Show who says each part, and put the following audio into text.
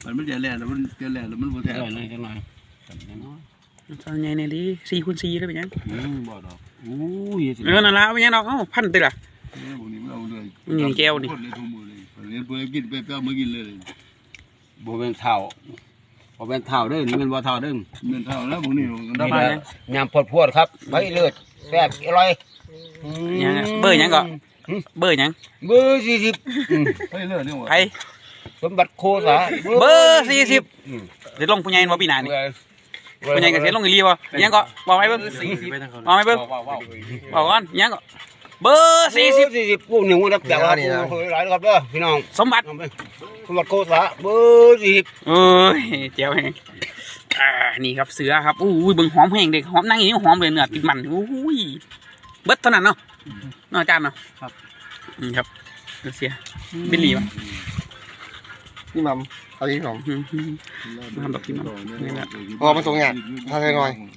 Speaker 1: มันจะแหลกแล้วมันจะแหลกแล้วมันบ่แท้
Speaker 2: เลยจังหน่อย
Speaker 3: ตอนใหญ่เนี่ยดิ4x4ได้เป็นยัง
Speaker 1: บ่ดอก
Speaker 2: อู้ย
Speaker 3: นั่นละเป็นยังดอกพันติล่ะ
Speaker 1: พวกนี้มันเอาเลย
Speaker 3: แก้วนี่
Speaker 1: คนเลยทุ่มมือเลยเรียนเพื่อกินไปเอามากินเลย
Speaker 2: บ่เป็นเท่าบ่เป็นเท่าเด้อนี่มันบ่เท่าเด้อ
Speaker 1: เงินเท่าแล้วพวกนี้
Speaker 2: ได้มายำพวดครับใบเลือดแซ่บอร่อย
Speaker 3: ยังเบอร์ยังก็เบอร์ยัง
Speaker 2: เบอร์40
Speaker 1: ไปเลยนี่ว่า
Speaker 3: ใคร
Speaker 2: สมบัติโคสา
Speaker 3: เบอร์40เดี๋ยวลงผู้ใหญ่บ่ปีหน้านี่ผู้ใหญ่ก็เสียลงอีหลีบ่ยังก็บอกให้เบิ่งบอกให้เบิ่งบอกก่อนยังก็เบอร์
Speaker 2: 40ผู้หนึ่งรับจากครับหลายครับเด้อพี่น้อง
Speaker 3: สมบัติ
Speaker 2: โคสาเบอร์40
Speaker 3: เอ้ยเจ๋วแฮงนี่ครับเสือครับอู้ยเบิ่งหอมแห้งเด็กหอมนั่งอย่างนี้หอมเลยเนื้อติดมันอู้ยเบิดเท่านั้นเนาะอาจารย์เนาะ
Speaker 1: ครับ
Speaker 3: ครับเสียบิลลี่ป่ะ
Speaker 4: นี่มัมเอาอีกสอง
Speaker 3: ทำแบบที่มัน
Speaker 4: พอมาส่งงานพาไปหน่อย